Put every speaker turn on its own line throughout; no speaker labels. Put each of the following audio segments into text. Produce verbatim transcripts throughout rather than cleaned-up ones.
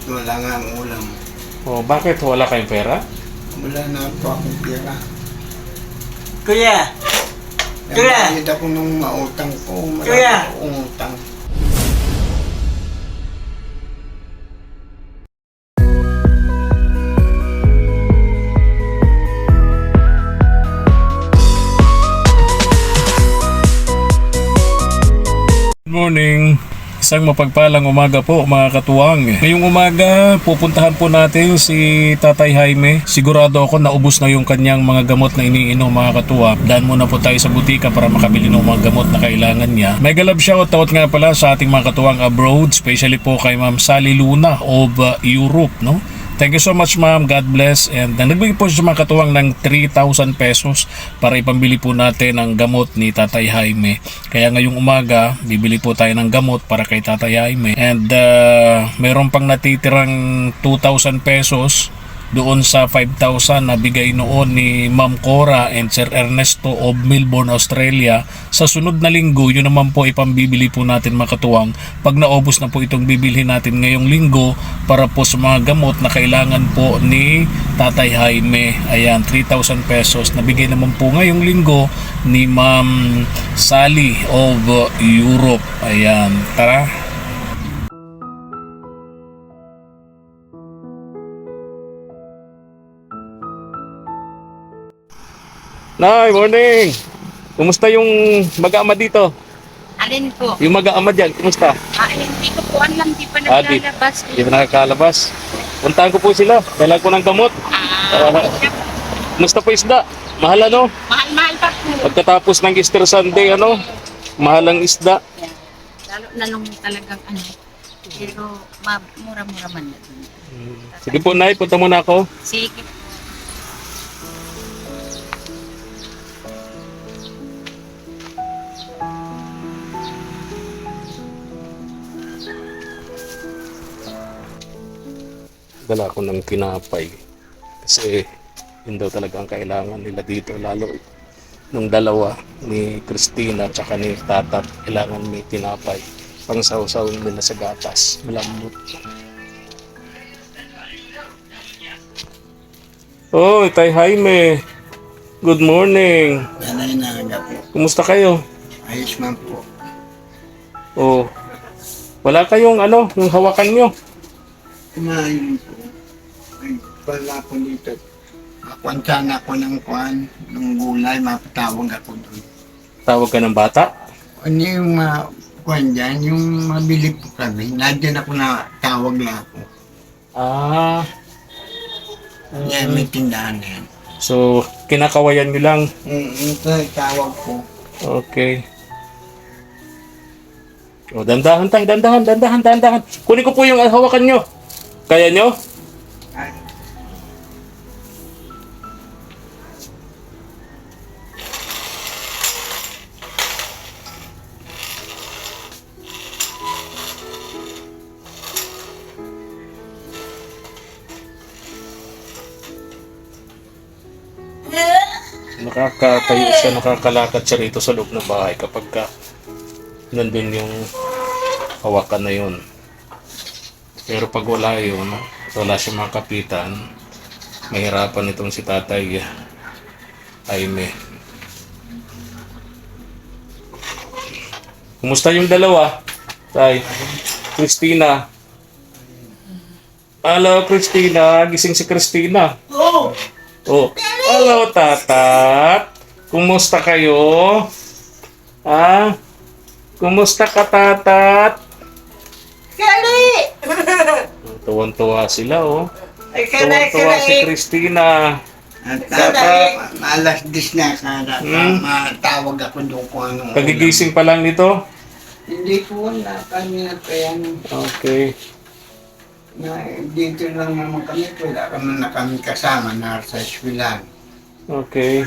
wala nga ang ulam.
Oh, bakit wala kayong pera?
Wala na po akong pera.
Kuya! Kuya!
Nagbayad ako nung mautang ko. Wala
Kuya!
akong utang.
Good morning! Isang mapagpalang umaga po mga katuwang. Ngayong umaga, pupuntahan po natin si Tatay Jaime. Sigurado ako naubos na yung kanyang mga gamot na iniinom mga katuwang. Daan muna po tayo sa butika para makabili ng mga gamot na kailangan niya. May galab shoutout nga pala sa ating mga katuwang abroad, especially po kay Ma'am Sally Luna of uh, Europe, no? Thank you so much ma'am, God bless. And uh, nagbigay po siya mga katuwang ng three thousand pesos para ipambili po natin ang gamot ni Tatay Jaime. Kaya ngayong umaga, bibili po tayo ng gamot para kay Tatay Jaime. And uh, meron pang natitirang two thousand pesos doon sa five thousand na bigay noon ni Ma'am Cora and Sir Ernesto of Melbourne, Australia. Sa sunod na linggo, yun naman po ipambibili po natin mga katuwang pag naubos na po itong bibilhin natin ngayong linggo para po sa mga gamot na kailangan po ni Tatay Jaime. Ayan, three thousand pesos na bigay naman po ngayong linggo ni Ma'am Sally of Europe. Ayan, tara. Nay, morning! Kumusta yung mag-aama dito?
Alin po?
Yung mag-aama dyan, kumusta?
Ah, hindi ko po alam, di pa
Ah, di-
naglalabas.
Hindi na nakakalabas. Puntahan ko po sila. Kailangan ko ng gamot.
Ah,
Ah, kumusta po isda? Mahal ano?
mahal-mahal pa po.
Pagkatapos ng Easter Sunday, ano? Mahal ang isda.
Yan. Lalo na nung talagang ano. Pero ma- mura-mura man na dun.
Sige po, Nay. Punta muna ako.
Sige po.
Dala ako ng kinapay. Kasi yun daw talaga ang kailangan nila dito. Lalo nung dalawa ni Christina at saka ni Tatat. Kailangan may tinapay. Pang sausaw nila sa gatas. Malambot. Oh, Tay Jaime. Good morning.
Nanay na aga po.
Kumusta kayo?
Ayos man po.
Oh. Wala kayong ano, yung hawakan nyo.
Kumain po. Ay, wala po dito. Nakwantan ako ng kwan, ng gulay, mapatawag ako doon.
Tawag ka ng bata?
Ano yung mga kwan dyan, yung mabili po kami, nandiyan ako na tawag na ako.
Ah.
Yan, may tindahan na yan.
So, kinakawayan nyo lang.
Mm, ito, tawag ko.
Okay. O, dandahan tayo, dandahan, dandahan, dandahan. Kunin ko po yung hawakan nyo. Kaya nyo?
Ay,
Nakakatayo siya, nakakalakad siya rito sa loob ng bahay kapag ka nandun yung hawakan na yun. Pero pag wala yun, wala siya makapitan, mahirapan itong si Tatay Jaime. Kumusta yung dalawa? Tay, Christina. Hello, Christina. Gising si Christina.
Oh!
Oh. Hello, Tatat. Kumusta kayo? Ha? Kumusta ka, Tatat?
Kali!
Tuwan-tuwa sila, oh.
Ay, kali,
Tuwan-tuwa si
kali!
Christina.
at
Sandali.
uh, alas dis na kada,
Hmm.
matawag ako doon kung anong
Kagigising pa lang nito?
Hindi po wala kami na kaya
Okay.
na dito lang naman kami, wala kami na kami kasama na sa eswilan.
Okay.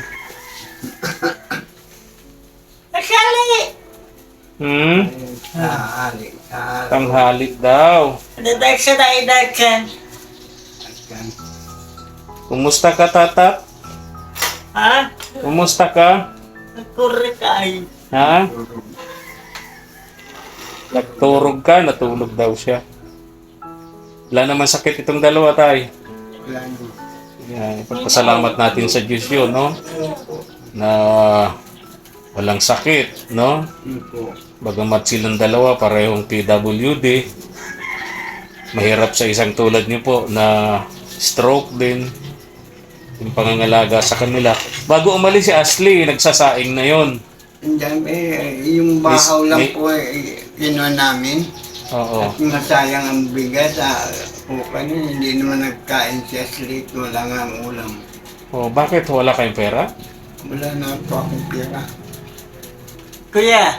Kali!
Hmm?
Sa ali, sa ali.
Tanghali daw.
Nadag sa daidagan.
Kumusta ka, Tatat?
Ha?
Kumusta ka?
Nagkurikay.
Ha? Nagturog ka, natulog daw siya. Wala naman sakit itong dalawa, tay.
Wala nyo.
Yan, ipagpasalamat natin sa Diyos yun, no? Na walang sakit, no?
Yun po.
Bagamat silang dalawa, parehong P W D. Mahirap sa isang tulad niyo po na stroke din. Yung pangangalaga sa kanila. Bago umalis si Ashley, nagsasaing na yon.
Andyan, eh, yung bahaw
Miss-
lang
mi-
po, eh, kinuha namin.
Oo.
At masayang ang bigat, ah, po kanina, hindi naman nagkain siya sleep, wala nga ang ulam.
Oh, bakit wala kayong pera?
Wala na po akong pera.
Kuya,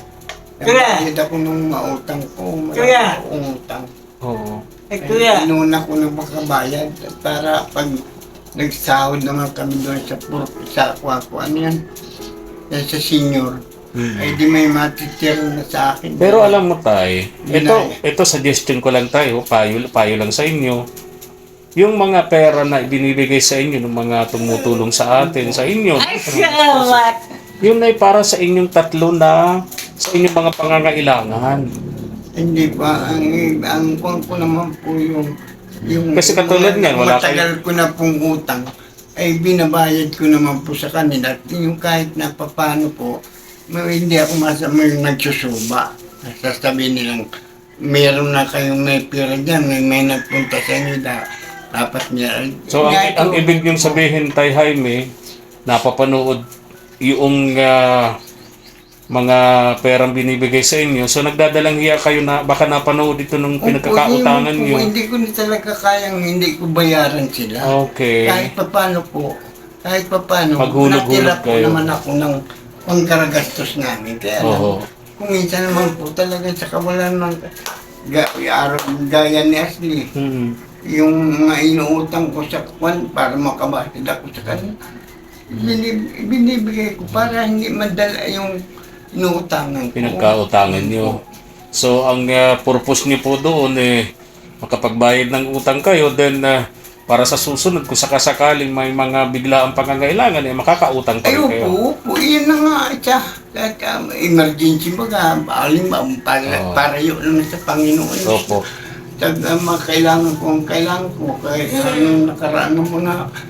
Kuya!
Nagbayad ako nung mautang ko,
Kuya!
marami akong utang.
Oo.
eh kuya,
Inuna ko na makabayad para pag nagsahod naman kami doon sa puro sa kwa ko, ano yan? Yan sa senior. Ay di may matitira na sa akin.
Pero alam mo tay,
Yun
ito,
na
ito suggestion ko lang tayo, payo, payo lang sa inyo. Yung mga pera na ibinibigay sa inyo ng mga tumutulong sa atin, sa inyo,
ay salamat.
yun ay para sa inyong tatlo na sa inyong mga pangangailangan.
Hindi pa, ang, ang kung ko naman po yung, yung
Kasi katulad niyan, wala
matagal ko na pong utang, ay binabayad ko naman po sa kanila. At yung kahit na papano po, may, hindi ako masama yung nagsusuba. Sasabihin nilang, meron na kayong may pera dyan, may, may nagpunta sa inyo, da, dapat niya.
So, ang,
Kaya
ang
ito,
ibig niyong sabihin, Tay Jaime, napapanood yung ah, mga perang binibigay sa inyo. So, nagdadalang hiya kayo na baka napanood ito nung
Opo,
pinagkakautangan
yun po,
niyo.
Hindi ko na talaga kayang hindi ko bayaran sila.
Okay.
Kahit papano po, kahit papano,
Maghulog-hulog
natira po
kayo.
naman ako ng pangkaragastos namin. Kaya lang,
Oo.
kung minsan naman po talaga sa kawalan ng ga, araw, gaya ni Ashley,
Hmm.
yung mga inuutang ko sa kwan para makabatid ako sa kanila, binib, binibigay ko para hindi madala yung inuutangan ko.
Pinagkautangan niyo. So, ang ah, purpose niyo po doon eh, makapagbayad ng utang kayo, then ah, para sa susunod, kung sakasakaling may mga biglaang pangangailangan, eh, makakautang pa
Ay,
rin kayo.
opo, opo, iyan na nga siya. Kahit um, emergency baga, aling ba, para,
Oo.
para yun lang sa Panginoon.
Opo.
Tag, uh, mga kailangan ko, ang kailangan ko, kahit anong nakaraan ng mga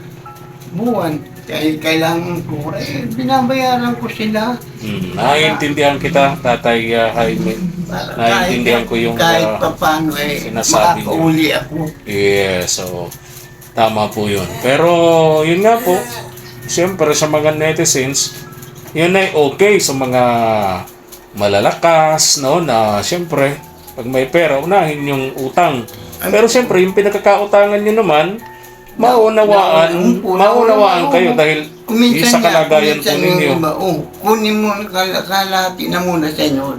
buwan, kahit kailangan ko, eh, binabayaran ko sila.
Hmm. Naiintindihan kita, Tatay ah, Jaime.
Para
Naiintindihan
kahit,
ko yung
kahit
ah,
pa paano, eh,
sinasabi niyo.
makakauli ako.
Yes, so tama po yun. Pero yun nga po, siyempre sa mga netizens, yun ay okay sa mga malalakas, no, na siyempre, pag may pera, unahin yung utang. Pero siyempre, yung pinagkakautangan nyo naman, maunawaan,
Opo,
maunawaan
oo.
kayo dahil
Kuminsan
sa
nga,
kalagayan po
kuminsan
ninyo.
yung iba, oh, kunin mo, kal- kalahati na muna sa inyo.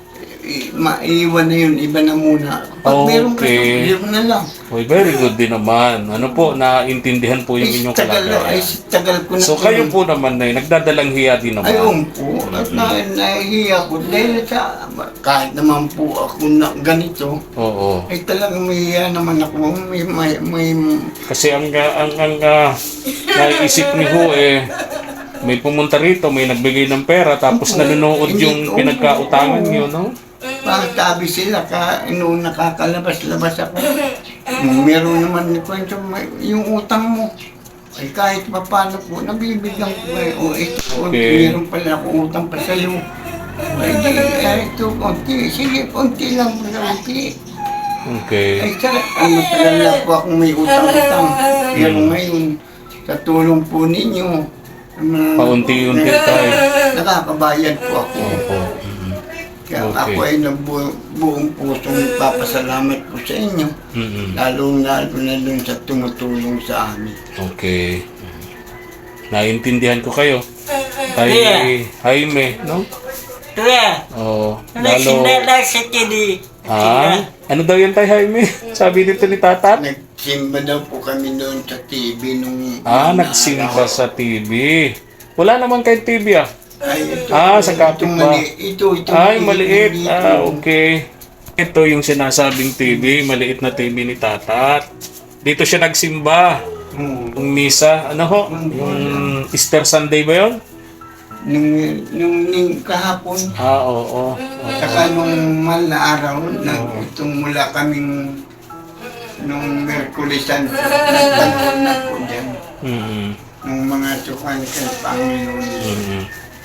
I- Maiwan na yun, iba na muna. Pag meron ka,
Okay.
meron na lang.
Well, very good din naman. Ano po, naintindihan po yung
Ay,
inyong
tagal, ay,
kalagayan.
tagal ko na.
So kayo po naman na nagdadalang hiya din naman.
Ayun po, at na, nahihiya ko dahil sa, kahit naman po ako na ganito,
Oo.
ay talagang mahihiya naman ako, may, may, may,
Kasi ang ang ang uh, naiisip ni Ho eh may pumunta rito, may nagbigay ng pera tapos
Opo.
nanonood
Hindi,
yung
oo,
pinagkautangan
oo.
niyo, no?
pagtabi sila, ka, noong nakakalabas-labas ako, meron naman ni kwento, may- yung utang mo, ay kahit pa paano po, nabibigyan ko kayo, o ito, o,
Okay.
meron pala akong utang pa sa'yo. Ay, di, ay, ito, konti, sige, konti lang po na konti.
Okay.
Ay, sa, ang matagal na po akong may utang-utang. Pero ngayon, sa tulong po ninyo, um,
Paunti-unti tayo.
nakakabayad po ako.
Opo.
Kaya
Okay.
ako ay nabu- buong pusong papasalamat po sa inyo.
Mm-mm.
Lalo-lalo na dun sa tumutulong sa amin.
Okay. Naintindihan ko kayo. Kay
Yeah.
Jaime, no?
Kuya,
Oh, lalo.
nagsinala sa kini.
Ah, ano daw yan tay Jaime? Sabi dito ni Tatat?
Nagsimba daw po kami doon sa T V nung...
Ah,
nung
nagsimba
araw.
sa T V. Wala naman kay T V ah.
Ay, ito,
Ah, sa kapit
itong
ba?
mali- Ito, ito.
Ay, maliit.
dito.
Ah, okay. Ito yung sinasabing T V, maliit na T V ni Tatat. Dito siya nagsimba.
Hmm.
Yung misa, ano ho? Yung Easter Sunday ba yun?
Nung, nung, nung kahapon,
Ah, oo. oo.
saka nung mahal na araw, na itong mula kaming nung Merkulisan, nagtanong na po dyan.
Mm-mm.
Nung mga sukan sa Panginoon.
Mm-mm.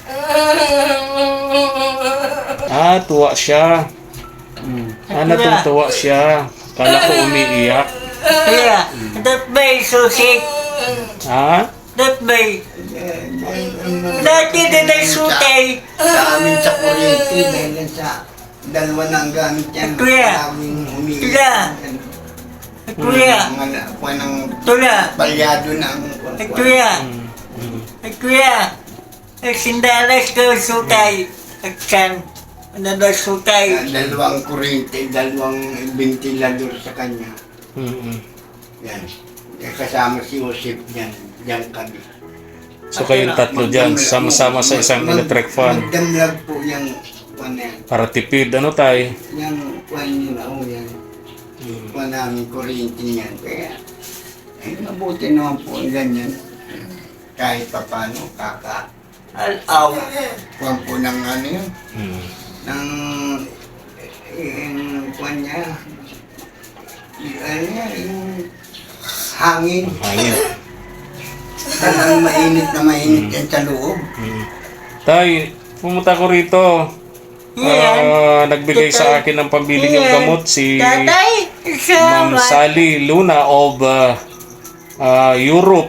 Ah, tuwa siya. Ah, natutuwa siya. Kala ko umiiyak.
Kuya, that bay susi.
Ha?
That bay. Dati din ay sutay.
Sa amin sa kuryente, dahil sa dalawa na ang gamit yan.
Kuya.
Maraming humingi.
Kuya. Kuya,
Mga kuha ng
tula.
palyado na ang
Ay, kuya.
Mm.
Ay, kuya. Ay, sindalas ko sutay. Agsan. Ano na sutay?
dalawang kuryente, dalawang ventilador sa kanya.
Mm-mm.
Yan. Kasama si Joseph yan. Yan kami.
So kayong tatlo dyan, sama-sama sa isang electric fan.
Magdamlag po yung kuwan yan.
Para tipid, ano tay?
Yung kuwan yun, oh yan. Kuwan namin kuryente niyan. Kaya, eh, mabuti naman po ang ganyan. Kahit pa paano, kaka,
Al-aw.
kuwan po ng ano yun,
Mm.
ng, eh, yung kuwan niya, yung ano yan, yung hangin.
Hangin.
Talagang mainit na mainit yan sa loob.
Mm. Tay, pumunta ko rito.
Yan.
Ah, nagbigay sa akin ng pambili ng gamot si
Tatay,
Ma'am
salamat.
Sally Luna of uh, uh, Europe.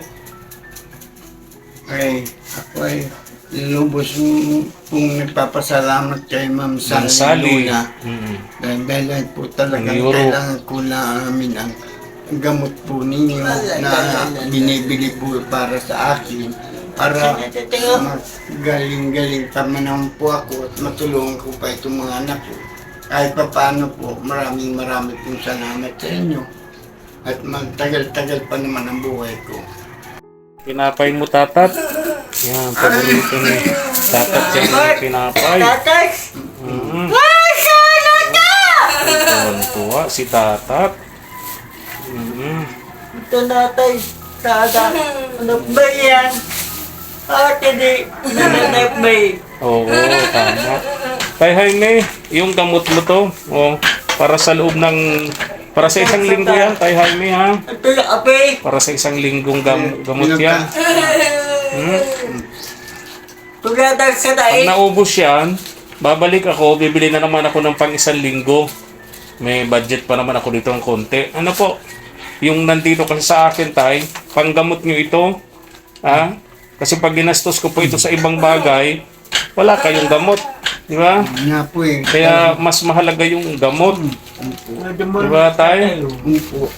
Ay, ako ay lubos pong nagpapasalamat kay Ma'am
Ma'am
Sally
Sally.
Luna.
Mm.
Dahil dahil po talagang
Ang Euro.
kailangan ko na amin ang gamot po ninyo na binibili po para sa akin. Para magaling-galing pa naman po ako at matulungan ko pa itong mga anak ko. Kahit pa paano po, maraming maraming pong salamat sa inyo. At magtagal-tagal pa naman ang buhay ko.
Pinapay mo, tatat. Yan, paborito ni tatat yan yung pinapay.
Tatay,
Mm-hmm.
masala ka!
Tuwan-tuwa si tatat. Mm-hmm.
Ito natay, sada. Ano ba yan? Ate di, nananap ba eh?
Oo, tama. Tay Jaime, yung gamot mo to, oh, para sa loob ng, para sa isang linggo yan, Tay Jaime ha?
Ito yung ape.
Para sa isang linggong gam, gamot yan. Hmm?
Tulatag sa
Pag
daig.
naubos yan, babalik ako, bibili na naman ako ng pang isang linggo. May budget pa naman ako dito ng konti. Ano po, yung nandito kasi sa akin, Tay, panggamot nyo ito, ha? Kasi pag ginastos ko po ito sa ibang bagay, wala kayong gamot. Di ba?
Nga po eh.
Kaya mas mahalaga yung gamot. Di ba, Tay?
Ano po.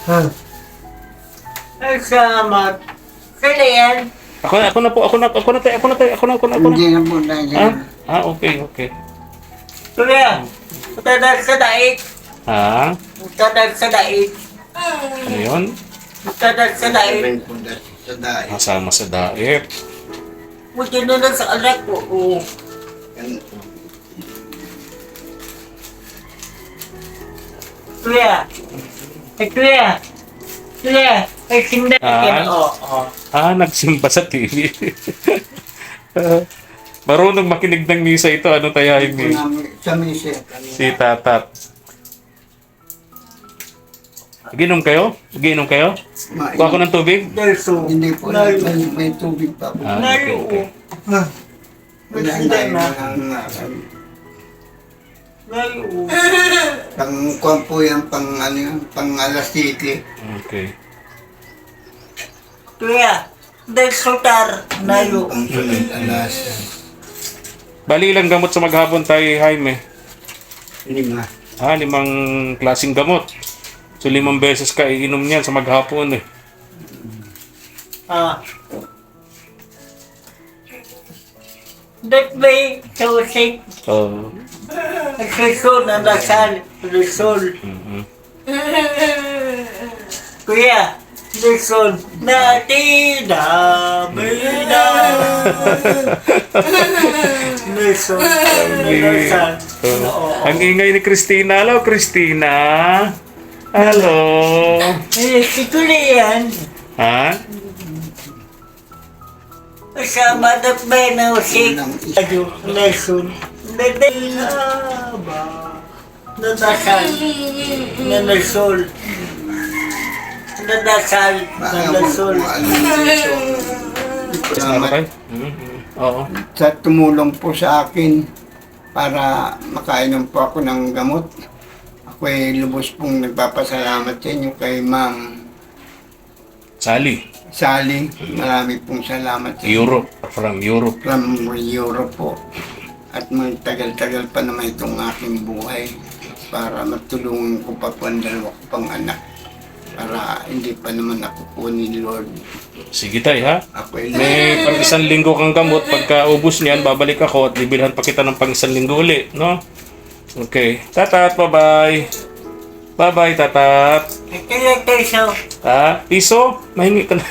Ay, salamat. Sila yan.
Ako na, ako na po, ako na, ako na, Tay, ako na, Tay, ako na, ako na, ako na.
Hindi na po tayo.
Ah, ah, okay, okay.
Tuloy. Tulatag sa daig.
Ha?
Tulatag sa daig.
Ano yun?
Tulatag sa daig.
Rin po dahil sa dahil.
Kasama sa daet.
Buti na lang sa anak ko. Oo.
Yan po.
Tuloy. Ay, tuloy. Tuloy. Ay, sinda.
Ah.
Oo. Oo.
Ah, nagsimba sa T V. Ah, marunong makinig ng misa ito. Ano tayo,
Po
Jaime?
namin sa misa.
Si Tatat. Ginom kayo? Ginom kayo?
Ma-
Kuha ko ng tubig?
Delso.
Hindi po,
Nayo.
may, may tubig pa po.
Ah, okay, okay.
Nayo.
Wala
Sila
na
na.
yung
Nayo.
pang kuwan po yan, pang ano yun, pang alas siki.
Okay.
Tuya. Delso tar. Nayo.
Pang sunod alas
Bali ilang gamot sa maghapon tayo, Jaime?
lima.
Ah, limang klaseng gamot. So, limang beses ka iinom niyan sa maghapon eh.
Ah. That way, Joseph.
So,
Nagsusol na dasal. Lusol.
mhm.
Kuya. Lusol. Natida. Bida. Lusol. Lusol.
So, ang ingay ni Christina. Hello, Christina. Hello.
Eh, si Tuli yan.
Ha?
Kasama na ba na si
Unang isa.
Adyo. Lusol. Nadala ba? Nadasal. Na lusol. nagdadasal, nagdasal.
Salamat
Tay? Mhm. Oo.
sa tumulong po sa akin para makainom po ako ng gamot. Ako ay lubos pong nagpapasalamat sa inyo kay Ma'am
Sally,
Sally. Marami pong salamat sa inyo.
Europe. From Europe.
From Europe po. At magtagal-tagal pa naman itong aking buhay para matulungan ko pa po ang dalawa ko pang anak. Para hindi pa naman ako po ni Lord.
Sige tay ha.
Ako ay
May pang isang linggo kang gamot. Pagka ubus niyan, babalik ako at bibilhan pa kita ng pang isang linggo uli. No? Okay. Tatat, bye-bye. Bye-bye, tatat.
Kailan tayo siya?
Ha? Piso? Mahingi ka na.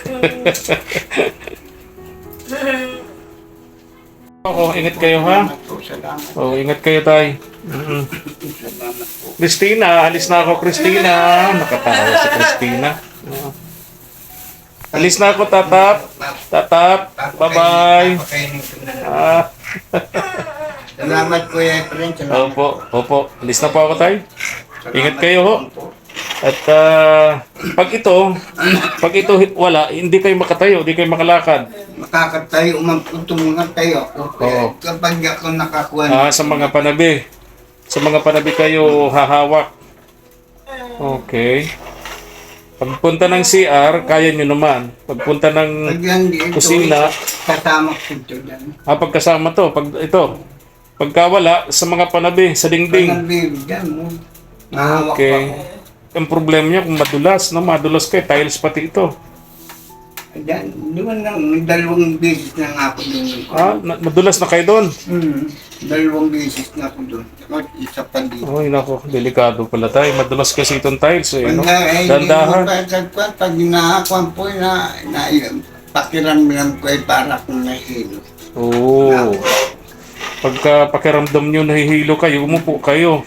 Oo, ingat kayo ha.
salamat po, salamat.
Oo, ingat kayo tay. Mm-mm.
Salamat po.
Christina, alis na ako Christina. Nakatawa si Christina. Oo. Alis na ako, tatap. Tatap. Bye-bye.
Papakainin ko na lang.
Ah.
Salamat Kuya Efren. Salamat
Opo, opo. Alis na po ako tay.
Salamat
Ingat kayo ho.
po.
At ah, pag ito, pag ito wala, hindi kayo makatayo, hindi kayo makalakad.
Makakatayo, magtutungan tayo ako.
Oo.
Kapag ako nakakuha
Ah, sa mga panabi. Sa mga panabi kayo hahawak. Okay. Pagpunta ng C R, kaya nyo naman. Pagpunta
pag
ng
hindi ito,
kusina,
kasama ko ito dyan.
ah, pagkasama to, pag ito. Pagka wala, sa mga panabi, sa dingding.
Pag bibigyan mo, mahawak
Okay.
pa ako.
Ang problema niya kung madulas, no? Madulas kayo, tiles pati ito.
Ayan, di ba nang dalawang beses na nga ako doon.
Ah, na- madulas na kayo doon.
Hmm, dalawang beses na ako doon. At isa pa dito.
Ay, nako, delikado pala tayo. Madulas kasi itong tiles, eh, no?
Pag eh,
Dandahan.
Pag, pag nakakuha po na, na pakiramdam ko ay para akong nahilo.
Oo. Pagka pakiramdam nyo nahihilo kayo, umupo kayo.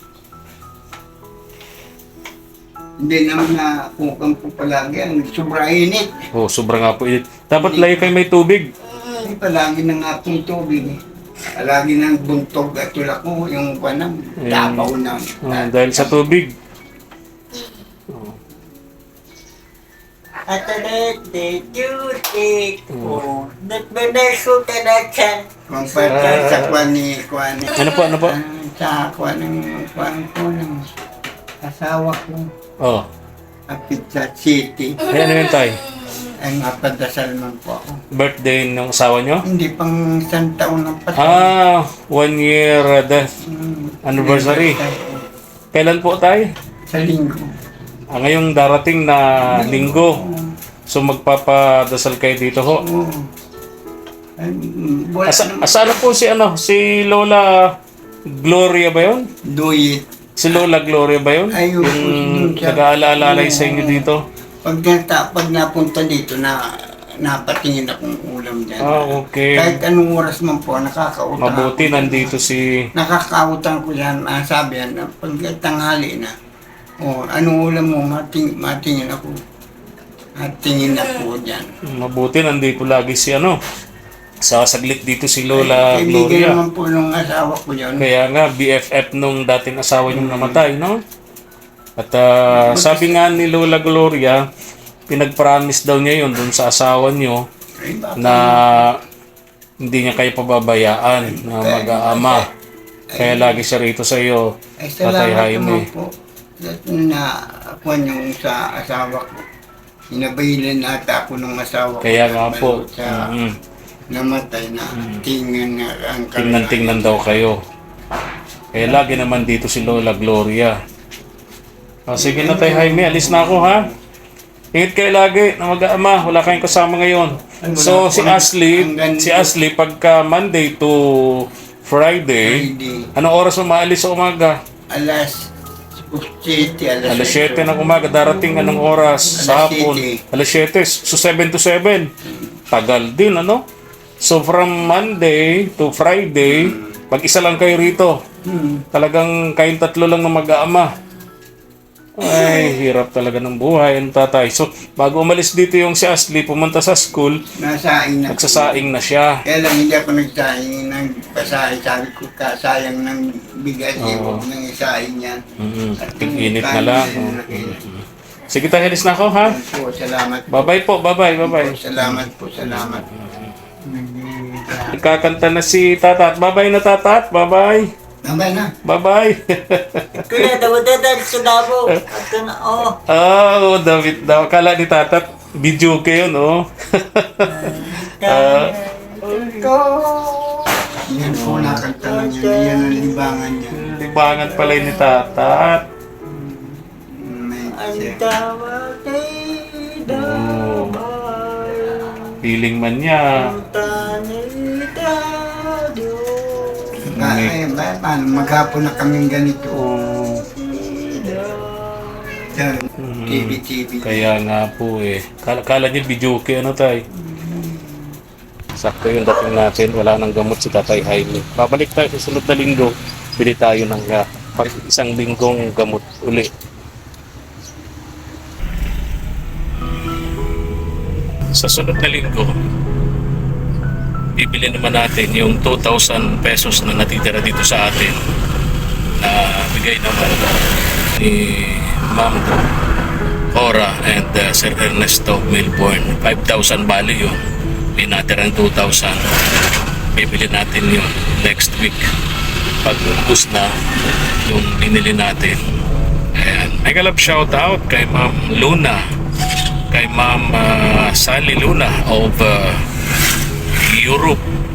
Hindi naman na kukang po palagi ang sobra init.
Oh, sobrang nga po init. Dapat lagi kayo may tubig.
Hindi palagi na nga pong tubig. Palagi ng buntog at tulak ko yung panang tapaw na.
Ah, dahil sa tubig.
At ulit, duty ko. Nagmanaso ka na dyan.
Kung pagka sa kwan ni kwan ni-
Ano po, ano po?
Ah, sa kwan ng kwan ko ng asawa ko.
Oh.
Kapit sa city.
Ay, ano yun tayo?
Ay mapadasal man po ako.
Birthday ng asawa nyo?
Hindi pang isang taon ng pasal.
Ah, one year uh, death
Hmm.
anniversary. Kailan po tayo?
Sa linggo.
Ah, ngayong darating na linggo. So magpapadasal kayo dito ho.
Oo. Ay, mm, wala
Asa,
naman.
asana po si ano? Si Lola Gloria ba yun?
Do it.
Si Lola Gloria ba yun?
Ayun po,
Yung
yun siya.
nag-aalala sa inyo dito?
Pag, nata, pag napunta dito na napatingin akong ulam dyan.
Ah, okay.
Kahit anong oras man po, nakakautang
Mabuti
ako.
nandito si...
Nakakautang ko yan. Ah, sabi yan, na pag tanghali na, oh, anong ulam mo, mating, matingin ako. Matingin ako dyan.
Mabuti nandito lagi si ano? Sasaglit dito si Lola
Kaibigan
Gloria.
naman po nung asawa ko yun.
Kaya nga, B F F nung dating asawa niyong namatay, no? At ah, sabi nga ni Lola Gloria, pinag-promise daw niya yun dun sa asawa niyo
Ay, baka-
na hindi niya kayo pababayaan na mag-aama. Kaya lagi siya rito sa iyo,
Ay,
Tatay
salamat
Jaime.
naman po. At na ako yung sa asawa ko. Inabayilan ata ako ng asawa ko.
Kaya nga po,
Sa
mm,
namatay na tingnan na ang
tingnan-tingnan daw kayo. Kaya lagi naman dito si Lola Gloria. O, sige na tayo, Jaime, alis na ako ha. Ingat kayo lagi na mag-aama, wala kayong kasama ngayon. So si Ashley, si Ashley pagka Monday to Friday,
Friday.
anong oras mo maalis sa umaga?
Alas City, alas
Alas siyete ng umaga, darating anong oras sa
Alas
hapon?
siyete.
Alas siyete, so seven to seven. Tagal din, ano? So from Monday to Friday, mag-isa lang kayo rito.
Hmm.
Talagang kayong tatlo lang na mag-aama. Ay, hirap talaga ng buhay, ang tatay. So, bago umalis dito yung si Ashley, pumunta sa school,
Nasaing na.
nagsasaing na siya.
Kaya lang hindi ako nagsaing ng pasahe. Sabi ko, kasayang ng bigas. Eh,
Oo.
huwag nang isaing yan.
Mm,
At
tig-init na
kanin
lang.
na
Oh.
lang.
Sige tayo, alis na ako ha.
Po, salamat po.
Bye-bye po, bye-bye, bye-bye.
Salamat po, salamat.
Kakanta na si Tatat. Bye-bye na Tatat, bye-bye.
Babay na.
Bye-bye.
Kuya, daw-daw sa Davao. At na, oh.
Oh, David daw. Akala ni Tatat, video kayo, no? Ah,
Ko.
Yan po nakanta lang yun. Yan ang libangan niya.
libangan pala yun ni Tatat.
May
Ang
siya.
tawag ay damay.
Feeling man niya.
Ang tanay tayo.
Ba, ay, ba, paano? Maghapon na kaming ganito.
Oh,
Yan, T V, T V.
kaya nga po eh. Kala, kala niya video kayo, ano tay? Sakto yung dating natin. Wala nang gamot si Tatay Jaime. Babalik tayo sa sunod na linggo. Bili tayo ng uh, pag isang linggong gamot uli. Sa sunod na linggo, bibili naman natin yung two thousand pesos na natitira dito sa atin na bigay naman ni Ma'am Cora and uh, Sir Ernesto Milborn. five thousand bali yun. May natirang two thousand. Bibili natin yun next week pag ubus na yung binili natin. Ayan. Mega love shout out kay Ma'am Luna, kay Ma'am uh, Sally Luna of uh, Europe,